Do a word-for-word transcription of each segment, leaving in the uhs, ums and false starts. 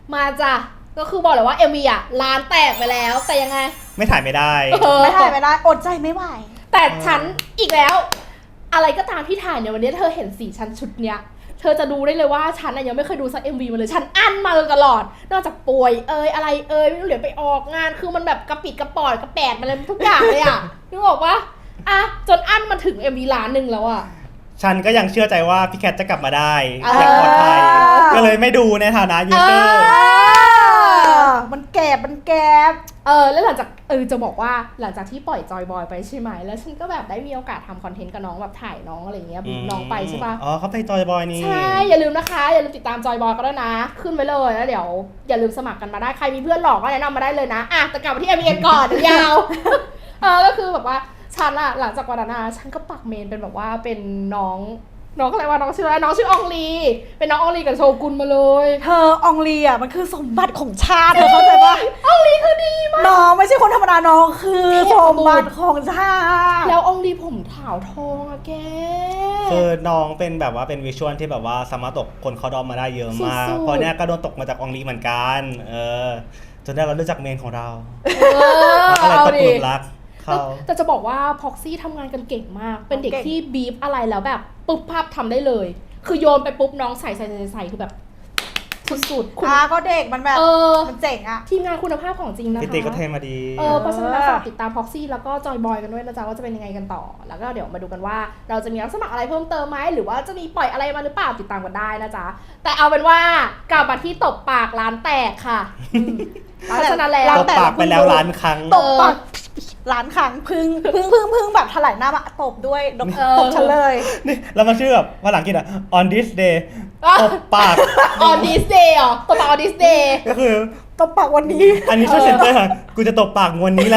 มาจ้ะก็คือบอกเลยว่า เอ็ม วี อ่ะล้านแตกไปแล้วแต่ยังไงไม่ถ่ายไม่ได้ไม่ถ่ายไม่ได้อดใจไม่ไหวแต่ฉันอีกแล้วอะไรก็ตามที่ถ่ายเนี่ยวันนี้เธอเห็นสีฉันชุดเนี้ยเธอจะดูได้เลยว่าฉันยังไม่เคยดูซัก เอ็ม วี มาเลยฉันอั้นมาตลอดนอกจากป่วยเอยอะไรเอยไม่รู้เดี๋ยวไปออกงานคือมันแบบกระปิดกระปอดกระแปดมาเลยทุกอย่างเลยอ่ะนึกออกปะอ่ะจนอั้นมาถึง เอ็ม วี ล้านหนึ่งแล้วอ่ะฉันก็ยังเชื่อใจว่าพี่แคทจะกลับมาได้อย่างปลอดภัยก็เลยไม่ดูในฐานะยูทูบมันแก็บมันแก็บเออแล้วหลังจากเออจะบอกว่าหลังจากที่ปล่อยจอยบอยไปใช่ไหมแล้วฉันก็แบบได้มีโอกาสทำคอนเทนต์กับน้องแบบถ่ายน้องอะไรเงี้ยบีบน้องไปใช่ปะอ๋อเขาไปจอยบอยนี่ใช่อย่าลืมนะคะอย่าลืมติดตามจอยบอยก็ได้นะขึ้นไปเลยแล้วเดี๋ยวอย่าลืมสมัครกันมาได้ใครมีเพื่อนหลอกก็แนะนำมาได้เลยนะอ่ะแต่กลับมาที่ เอ็ม วี เอ็น ก่อนยาวเออก็คือแบบว่าฉันอะหลังจากวันนั้นฉันก็ปักเมนเป็นแบบว่าเป็นน้องน้องอะไรวะน้องชื่ออะไรน้องชื่ออองลีเป็นน้องอองลีกับโชกุนมาเลยเธออองลีอ่ะมันคือสมบัติของชาติเธอเข้าใจปะอองลีคือดีมากน้องไม่ใช่คนธรรมดาน้องคือสมบัติของชาติแล้วอองลีผมขาวทองอะแกคือน้องเป็นแบบว่าเป็นวิชวลที่แบบว่าสามารถตกคนเขาดอมมาได้เยอะมากเพราะเนี้ยก็โดนตกมาจากอองลีเหมือนกันเออจนได้เรารู้จักเมนของเราแล้วก็เลยตกหลุมรักแต่จะบอกว่าพ็อกซี่ทำงานกันเก่งมากเป็นเด็กที่บีฟอะไรแล้วแบบปุ๊บภาพทำได้เลยคือโยนไปปุ๊บน้องใส่ใส่ใส่ใส่คือแบบสุดๆคุณอาก็เด็กมันแบบมันเจ๋งอะทีมงานคุณภาพของจริงนะคะพี่ติ๊กก็เทมาดีเออเพราะฉะนั้นฝากติดตามพ็อกซี่แล้วก็จอยบอยกันด้วยนะจ๊ะว่าจะเป็นยังไงกันต่อแล้วก็เดี๋ยวมาดูกันว่าเราจะมีรับสมัครอะไรเพิ่มเติมไหมหรือว่าจะมีปล่อยอะไรมาหรือเปล่าติดตามกันได้นะจ๊ะแต่เอาเป็นว่ากลับมาที่ตบปากร้านแตกค่ะเพราะฉะนั้นแล้วตบปากไปแล้วล้านครั้งตบปากล้านครั้งพึ่งพึ่งพึ่งพึ่งแบบถลายหน้ามาตบด้วยตบฉันเลยนี่แล้วมันชื่อแบบภาษาอังกฤษอ่ะ on this day ตบปาก on this day อ๋อตบปาก on this day ก็คือตบปากวันนี้อันนี้ช่วยเซ็นเตอร์ค่ะกูจะตบปากวันนี้แหละ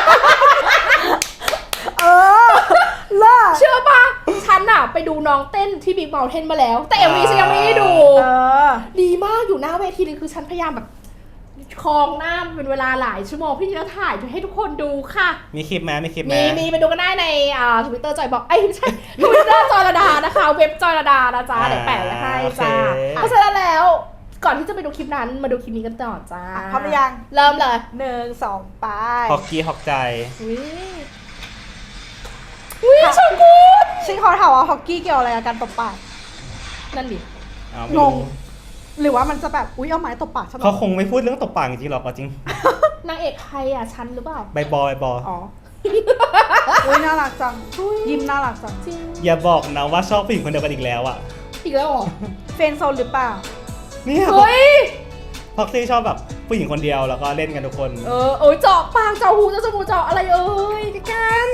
เออล่ะเชื่อป่ะฉันอะไปดูน้องเต้นที่ Big Mountain มาแล้วแต่ เอ็ม วี ฉันยังไม่ได้ดูดีมากอยู่หน้าเวทีเลยคือฉันพยายามแบบคลองหน้าเป็นเวลาหลายชั่วโมงพี่จะถ่ายให้ทุกคนดูค่ะมีคลิปไหมมีคลิปไหมมีมีไปดูกันได้ในอ่าทวิตเตอร์จอยบอกไอ้ไม่ใช่ทวิตเตอร์จอยระดานะคะเว็บจอยระดานะจ๊ะเดี๋ยวแปะไว้ให้จ้าเพราะฉะนั้นแล้วก่อนที่จะไปดูคลิปนั้นมาดูคลิปนี้กันต่อจ้าพร้อมหรือยังเริ่มเลยหนึ่งสองไปฮอกกี้ฮอกใจอุ้ยอุ้ยชมกูชิคเขาถามว่าฮอกกี้เกี่ยวอะไรกับการตบปากนั่นดิงงหรือว่ามันจะแบบอุ้ยเอาไม้ตบปากฉันเขาคงไม่พูดเรื่องตบปากจริงหรอกจริงนางเอกใครอ่ะฉันหรือเปล่าใบบอใบบออ๋ออุ้ยน่ารักจังยิ้มน่ารักจังจริงอย่าบอกนะว่าชอบผู้หญิงคนเดียวกันอีกแล้วอ่ะอีกแล้วเหรอเฟนโซนหรือเปล่านี่เฮ้ยพ็อกซี่ชอบแบบผู้หญิงคนเดียวแล้วก็เล่นกันทุกคนเออโอ้ยเจาะปากเจาะหูเจาะจมูกเจาะอะไรเอ้ยกัน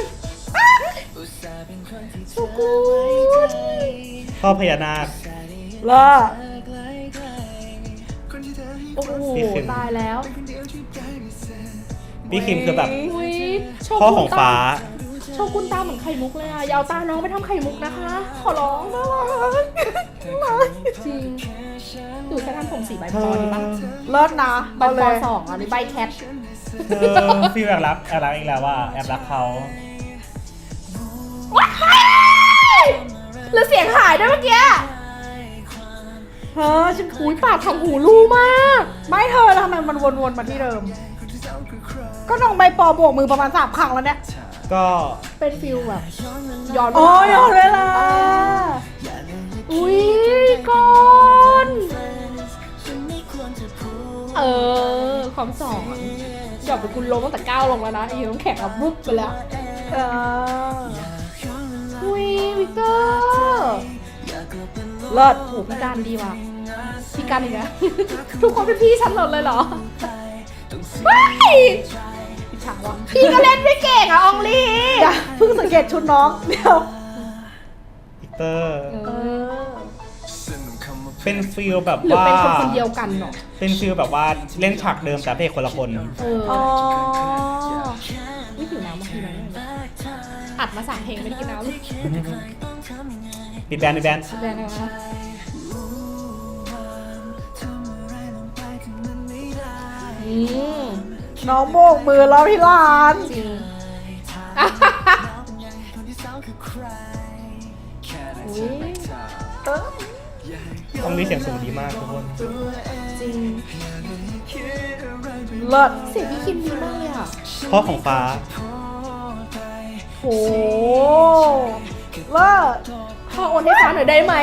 สุกูชอบพญานาคล่ะโอ้โหตายแล้วพี่คิมคือแบบพ่อของฟ้าโชกุนตาเหมือนไข่มุกเลยอ่ะยาวตาน้องไปทำไข่มุกนะคะขอร้องน่ารักน่ารักจริงดูแค่ทำผมสีใบปอดีป่ะเลิศนะใบปอสองอ่ะหรือใบแคทพี่แอบรักแอบรักอีกแล้วว่าแอบรักเขาแล้วเสียงหายด้วยเมื่อกี้เฮ้อฉันหูยปากทำหูรูมากไม่เธอแล้วทำไมมันวนๆมาที่เดิมก็น้องใบปอบวกมือประมาณสามครั้งแล้วเนี่ยก็เป็นฟิลแบบย้อนโอ้ยย้อนเวลาอุ้ยก่อนเออความสอนหยอดไปคุณลงตั้งแต่ก้าวลงแล้วนะไอ้น้องแข็งแบบบุ๊บไปแล้วเอออุ้ยวิกเตอร์เลิศโหพี่การดีว่ะพี่การอีกแล้วทุกคนเป็นพี่ฉันหมดเลยเหรอว้ายพี่ฉาวะพี่ก็เล่นไม่เก่งอะอองลีเพิ่งสังเกตชุดน้องเดี๋ยววิกเตอร์เป็นฟิลแบบว่าเป็นคนคนเดียวกันเนาะเป็นฟิลแบบว่าเล่นฉากเดิมแต่เพลงคนละคนเอออ๋อไม่หิวน้ำมาทีนั้นอัดมาสามเพลงไม่ได้กินน้ำเลยปิดแบนด์ปิดแบนด์ปิดแบนด์นะคะน้องโบกมือแล้วที่ร้านจริงอุ้ยอองลีเสียงสูงดีมากทุกคนจริงเลิศเสียงพี่คิมดีมากเลยอ่ะพ่อของฟ้าโหเลิศพ่อโอนให้ฟ้าหน่อยได้ไหม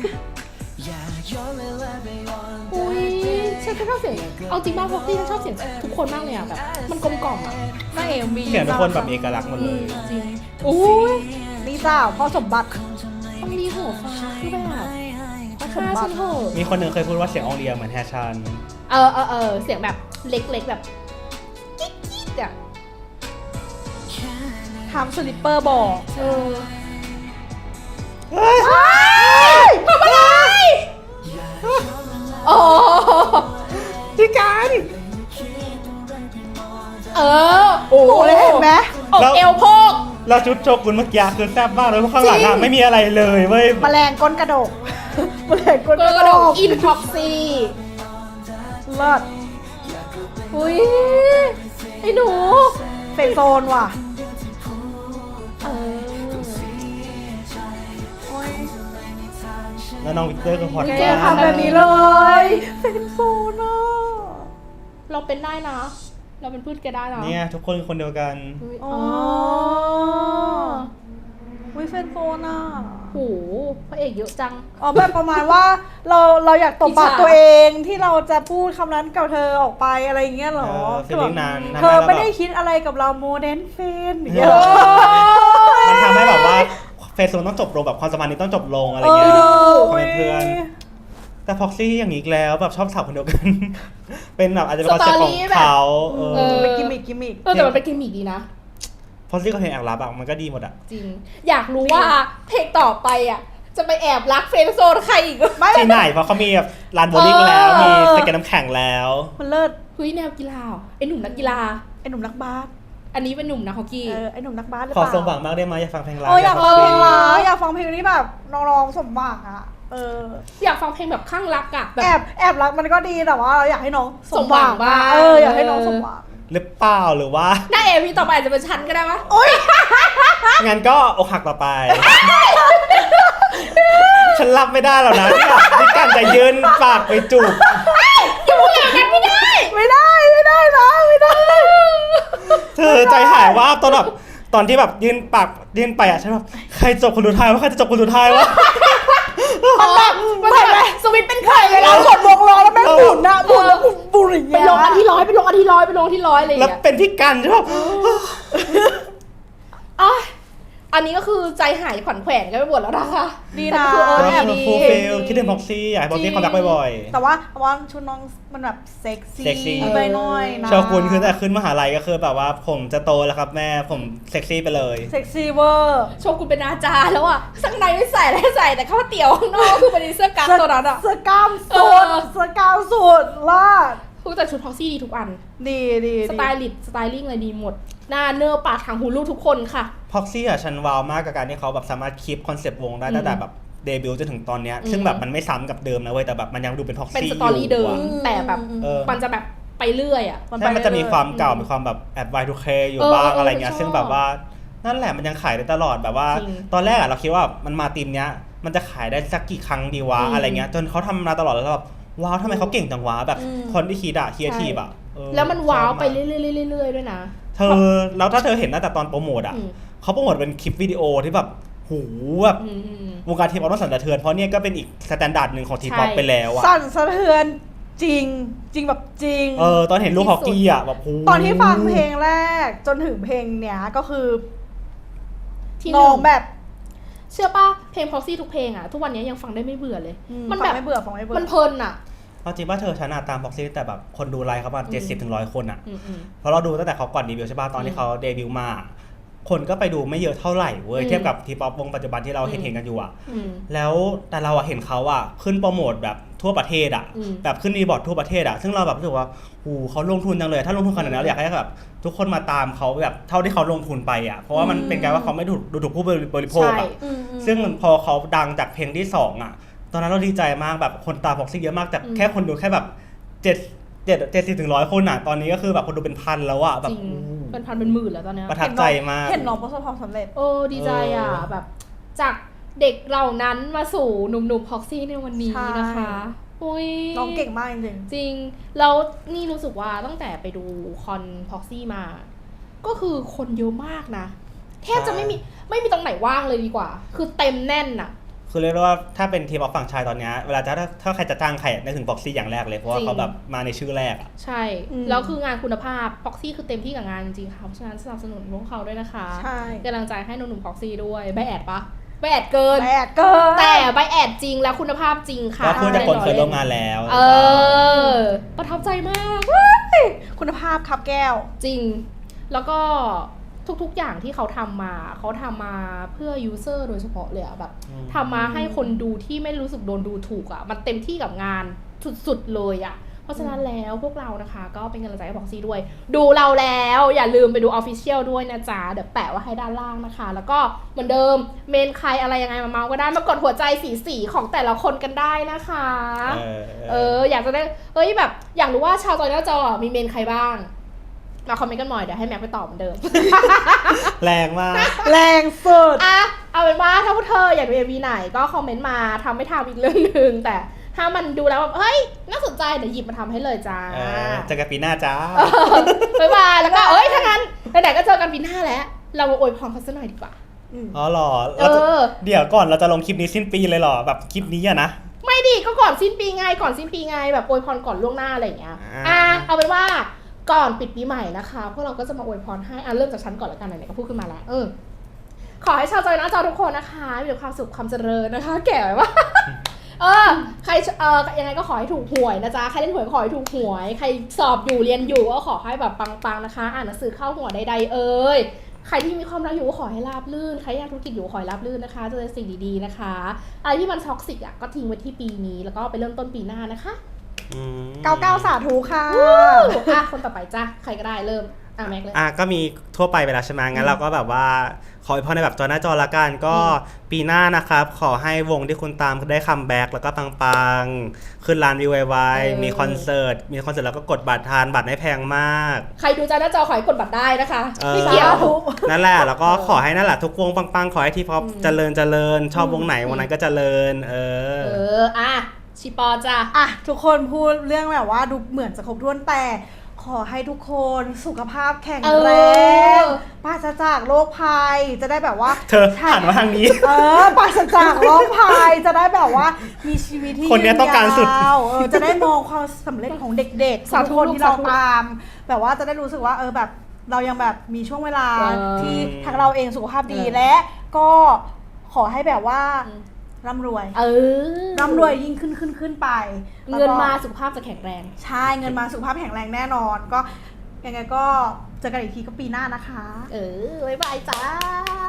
อุ้ยฉันก็ชอบเสียงเอาจริงมากเพราะพี่ฉันชอบเสียงทุกคนมากเลยอ่ะแบบมันกลมกล่อมอ่ะนางเอ็มบีเสียงทุกคนแบบเอกลักษณ์หมดเลยจริงอุ้ยนี่จ้าพ่อสมบัติต้องมีหัวฟ้าคือแบบพ่อสฆ่ามบัฉัตินเถอะมีคนหนึ่งเคยพูดว่าเสียงอองเลียเหมือนแฮชันเออเออเออเสียงแบบเล็กๆแบบกิ๊กกิ๊กอ่ะทำสลิปเปอร์บอกเออเฮ้ยทำอะไรโอ้พี่การเออโอ้เลยเห็นไหมอกเอวโพกแล้วชุดโชกุนเมื่อกี้คือแซ่บมากเลยเพราะข้างหลังจริอะงไม่มีอะไรเลยเว้ยแมลงก้นกระดกแมลงก้นกกระระโดดดกอินพ็อกซี่เลิศอุ้ยไอ้หนูเฟรนด์โซนว่ะเออโอ้ยแล้วน้องวิกเตอร์ก็ฮอตแกมากทำแบบนี้เลยเฟรนด์โซนอ่ะเราเป็นได้นะ เราเป็นพืชแกได้นะเนี่ยทุกคนคือคนเดียวกันอุ๊ยอ๋อ๋ออวิเฟรนด์โซนอ่ะโหพระเอกเยอะจังอ๋อแบบประมาณว่าเราเราอยากตบปากอิจฉาตัวเองที่เราจะพูดคำนั้นกับเธอออกไปอะไรอย่างเงี้ยเหรอเออ feeling นั้นเธอทำให้เราไม่ได้แบบคิดอะไรกับเราโมเดนเฟนอย่างเอเงี้ยอ มันทำให้แบบว่าเฟซโซนต้องจบลงแบบความสัมพันธ์นี้ต้องจบลงอะไรเงี้ยเขาเป็นเพื่อน แต่พ็อกซี่อย่างนี้อีกแล้วแบบชอบสาวคนเดียวกัน เป็นแบบอาจจะเป็นคอนเซ็ปต์ของเขาเอเอออเป็นกิมมิกกิมมิกเออแต่มันเป็นกิมมิกดีนะพ็อกซี่ก็เพลงแอบรับอะมันก็ดีหมดอะจริง อยากรู้ว่าเพลงต่อไปอ่ะ จะไปแอบรักเฟรนด์โซนใครอีกไม่ที่ไหนเพราะเขามีแบบลานโบว์ลิ่งแล้ว มีสเก็ตน้ำแข็งแล้วมันเลิศเฮ้ยแนวกีฬาเหรอไอหนุ่มนักกีฬาไอ้หนุ่มนักบาสอันนี้เป็นหนุ่มนักฮอกกี้เออไอ้หนุ่มนักบาสหรือขอเปล่าสมหวังมากได้ไหมอยากฟังเพลงรักเอออยากฟังเพลงเอรัอกอยากฟังเพลงที่แบบน้องๆสมหวังอ่ะเอออยากฟังเพลงแบบข้างรักอ่ะแบแอบบแอบรักมันก็ดีแต่ว่าเราอยากให้น้องสมหวังสมหวังบ้างเอออยากให้น้องสมหวังหรือเปล่าหรือว่าหน้าเอวีต่อไปอาจจะเป็นฉันก็ได้ปะงั้นก็อกหักต่อไป ฉันรับไม่ได้หรอกนะที่แบบที่การจะยืนปากไปจูบไม่ได้ไม่ได้นะไม่ได้เธอใจหายว่าตอนแบบตอนที่แบบยืนปากยืนไปอ่ะฉันแบบใครจบคนสุดท้ายวะใครจะจบคนสุดท้ายวะมันแบบมันแบบสวิตช์เป็นไข่เวเวลาลากดวงล้อแล้วแม่งหมุนนะหมุนแล้วหมุนบุหรี่ไปลงอันที่ร้อยไปลงอันที่ร้อยไปลงอันที่ร้อยอะไรอย่างแล้วเงี้ยเป็นพี่กันใช่ปะอ่ะอันนี้ก็คือใจหายขวัญแขวนกันไปหมดแล้วนะคะดีแต่นะคือเออแล้วแอบคือดีฟูลฟิลคิดถึงพ็อกซี่อยากให้พ็อกซี่คอมแบ็กบ่อยแต่ว่าแต่ว่าชุดน้องมันแบบเซ็กเซ็กซี่ซี่ไปหน่อยนะๆชาวคุณคือแต่ขึ้นมหาลัยก็คือแบบว่าผมจะโตแล้วครับแม่ผมเซ็กซี่ไปเลยเซ็กซี่เวอร์โชกุนเป็นอาจารย์แล้วอ่ะข้างในไม่ใส่อะไรใส่แต่ข้าวเตี๋ยวข้างนอกคือเป็นเสื้อกั๊กตัวนั้นอ่ะเสื้อกล้ามสุดเออเสื้อกล้ามสุดลาดทุกแต่ชุดพ็อกซี่ดีทุกอันดีดีสไตลิสต์สไตลิ่งอะไรดีหมด หน้าเนื้อปากทางหูลูกทุกคนค่ะพ็อกซี่อ่ะฉันว้าวมากกับการที่เขาแบบสามารถคีปคอนเซปต์วงได้อืมตั้งแต่แบบเดบิวต์จนถึงตอนเนี้ยอืมซึ่งแบบมันไม่ซ้ำกับเดิมนะเว้ยแต่แบบมันยังดูเป็นพ็อกเป็นซี่สตอรี่เดิมอยู่อะแต่แบบเออมันจะแบบไปเรื่อยอ่ะใช่มันจะมีความเก่ามีความแบบแอบ วาย ทู เค อยู่เออบ้างเอออะไรเงี้ยชอบซึ่งแบบว่านั่นแหละมันยังขายได้ตลอดแบบว่าจริงตอนแรกอะเราคิดว่ามันมาทีมเนี้ยมันจะขายได้สักกี่ครั้งดีวะอืมอะไรเงี้ยจนเขาทำมาตลอดแล้วแบบว้าวทำไมเขาเก่งจังวะแบบอืมคนที่คิดอะเคียร์ทีฟอะเออแล้วมันว้าวไปชอบมกเรื่อยๆๆๆด้วยนะเธอแล้วถ้าเธอเห็นตั้งแต่ตอนโปรโมทอะอืมเขาโปรโมทเป็นคลิปวิดีโอที่แบบหูแบบอืมอืมวงการทีป๊อปต้องสั่นสะเทือนเพราะเนี่ยก็เป็นอีกสแตนดาร์ดหนึ่งของทีป๊อปใช่ไปแล้วอะสั่นสะเทือนจริงจริงแบบจริงเออตอนเห็นลูกฮอกกี้อะแบบหูตอนที่ฟังเพลงแรกจนถึงเพลงเนี้ยก็คือที่หน้นึ่องงแบบเชื่อป่ะเพลงพ็อกซี่ทุกเพลงอ่ะทุกวันนี้ยังฟังได้ไม่เบื่อเลย มันฟัแบงบไม่เบื่อฟังไม่เบื่อมันเพลินอ่ะเอาจริงว่าเธอชนะตามพ็อกซี่แต่แบบคนดูไลฟ์เขาประมาณเจ็ดสิบถึงร้อยคนอะอืมอืมเพราะเราดูตั้งแต่เขาก่อนเดบิวต์ใช่ป่ะตอนที่เขาเดบิวต์มา คนก็ไปดูไม่เยอะเท่าไหร่เว้ยอืมเทียบกับทีป๊อปวงปัจจุบันที่เราอืมเห็นเห็นกันอยู่อะอืมแล้วแต่เราอะเห็นเขาอะขึ้นโปรโมทแบบทั่วประเทศอะอืมแบบขึ้นรีบอร์ดทั่วประเทศอะซึ่งเราแบบรู้สึกว่าหูเขาลงทุนจังเลย ถ้าลงทุนขนาดนั้นเราอยากให้แบบทุกคนมาตามเขาแบบเท่าที่เขาลงทุนไปอะเพราะว่ามันเป็นการว่าเขาไม่ถูกดูถูกผู้บริโภคใช่อะอืมอืมซึ่งพอเขาดังจากเพลงที่สองอะตอนนั้นเราดีใจมากแบบคนตามพ็อกซี่เยอะมากแต่อืมแค่คนดูแค่แบบเจ็ดเจ็ดเจ็ดสิบถึงร้อยคนอะตอนนี้ก็คือแบบคนดูเป็นพันแล้วอะแบจบริงอู้เป็นพันเป็นหมื่นแล้วตอนเนี้ยประทับใจมากเห็นน้องประสบความสำเร็จเออดีใจอ่ะเออแบบจากเด็กเหล่านั้นมาสู่หนุ่มๆพ็อกซี่ในวันนี้นะคะอุ้ยน้องเก่งมากจริงจริงแล้วนี่รู้สึกว่าตั้งแต่ไปดูคอนพ็อกซี่มา ก็คือคนเยอะมากนะแทบจะไม่มีไม่มีตรงไหนว่างเลยดีกว่า คือเต็มแน่นอะคือเรียกว่าถ้าเป็นทีมออฟฝั่งชายตอนนี้เวลาจะถ้าถ้าใครจะจ้างใครนึกถึงบ็อกซี่อย่างแรกเลยเพราะว่าเขาแบบมาในชื่อแรกอ่ะใช่แล้วคืองานคุณภาพพ็อกซี่คือเต็มที่กับงานจริงๆค่ะเพราะฉะนั้นสนับสนุนพวกเขาด้วยนะคะใช่กำลังใจให้หนุ่มๆพ็อกซี่ด้วยใบแอดปะใบแอดเกินใบแอดเกินแต่ใบแอดจริงแล้วคุณภาพจริงค่ะก็พูดจากคนเคยร่วมงานแล้วเออประทับใจมากคุณภาพครับแก้วจริงแล้วก็ทุกๆอย่างที่เขาทำมาเขาทำมาเพื่อยูเซอร์โดยเฉพาะเลยอะแบบทำมาให้คนดูที่ไม่รู้สึกโดนดูถูกอะมันเต็มที่กับงานสุดๆเลยอะเพราะฉะนั้นแล้วพวกเรานะคะก็เป็นกำลังใจให้พ็อกซี่ด้วยดูเราแล้วอย่าลืมไปดู Official ด้วยนะจ๊ะเดี๋ยวแปะไว้ให้ด้านล่างนะคะแล้วก็เหมือนเดิมเมนใครอะไรยังไงมาเมาก็ได้มากดหัวใจสีสีของแต่ละคนกันได้นะคะเออเอออยากจะได้เฮ้ยแบบอยากรู้ว่าชาวจอยหน้าจอมีเมนใครบ้างมาคอมเมนต์กันหน่อยเดี๋ยวให้แม็กไปตอบเหมือนเดิมแรงมากแรงสุดอ่ะเอาเป็นว่าถ้าพวกเธออยากดู เอ็ม วี ไหนก็คอมเมนต์มาทำไม่ทำอีกเรื่องนึงแต่ถ้ามันดูแล้วแบบเฮ้ยน่าสนใจเดี๋ยวหยิบมาทำให้เลยจ้าเจอกันปีหน้าจ้าบ๊ายบายแล้วก็เอ้ยถ้างั้นไหนๆก็เจอกันปีหน้าแล้วเรามาอวยพรเขาสักหน่อยดีกว่าอ๋อหรอเดี๋ยวก่อนเราจะลงคลิปนี้สิ้นปีเลยหรอแบบคลิปนี้อะนะไม่ดีก็ก่อนสิ้นปีไงก่อนสิ้นปีไงแบบอวยพรก่อนล่วงหน้าอะไรอย่างเงี้ยอ่ะเอาเป็นว่าก่อนปิดปีใหม่นะคะพวกเราก็จะมาอวยพรให้อ่ะเริ่มจากฉันก่อนแล้วกันไหนๆก็พูดขึ้นมาแล้วเออขอให้ชาวจอยหน้าจอทุกคนนะคะมีแต่ความสุขความเจริญนะคะแก่ไหมวะเออใครเออยังไงก็ขอให้ถูกหวยนะจ๊ะใครเล่นหวยขอให้ถูกหวยใครสอบอยู่เรียนอยู่ก็ขอให้แบบปังๆนะคะอ่านหนังสือเข้าหัวใดๆเอ่ยใครที่มีความรักอยู่ก็ขอให้ราบรื่นใครอยากธุรกิจอยู่ขอให้ราบรื่นนะคะเจอสิ่งดีๆนะคะอะไรที่มันท็อกซิกอ่ะก็ทิ้งไว้ที่ปีนี้แล้วก็ไปเริ่มต้นปีหน้านะคะเก้าเก้าสาธุค่ะอ่ะคนต่อไปจ้ะใครก็ได้เริ่มอ่ะแม็กเลยอ่ะก็มีทั่วไปไปแล้วใช่ไหมงั้นเราก็แบบว่าขอให้พรในแบบจอหน้าจอละกันก็ปีหน้านะครับขอให้วงที่คุณตามได้คัมแบ็กแล้วก็ปังๆขึ้นร้านวิวไวๆมีคอนเสิร์ตมีคอนเสิร์ตแล้วก็กดบัตรทานบัตรไม่แพงมากใครดูจอหน้าจอขอให้กดบัตรได้นะคะไม่เกี่ยวนั่นแหละแล้วก็ขอให้นั่นแหละทุกวงปังๆขอให้ทีป๊อปเจริญเจริญชอบวงไหนวงนั้นก็เจริญเออเอออ่ะชิปอจ้ะอ่ะทุกคนพูดเรื่องแบบว่าดูเหมือนจะครบถ้วนแต่ขอให้ทุกคนสุขภาพแข็งแรงปราศจากโรคภัยจะได้แบบว่าเธอหันมาทางนี้เออปราศจากโรคภัยจะได้แบบว่ามีชีวิตที่คนนี้ต้องการสุดเออจะได้มองความสำเร็จของเด็กๆทุกคนที่เราตามแบบว่าจะได้รู้สึกว่าเออแบบเรายังแบบมีช่วงเวลาที่ทางเราเองสุขภาพดีและก็ขอให้แบบว่าร่ำรวยเออร่ำรวยยิ่งขึ้นขึ้นขึ้นไปเงินมาสุขภาพจะแข็งแรงใช่เงินมาสุขภาพแข็งแรงแน่นอนก็ยังไงก็เจอกันอีกทีก็ปีหน้านะคะเออบ๊ายบายจ้า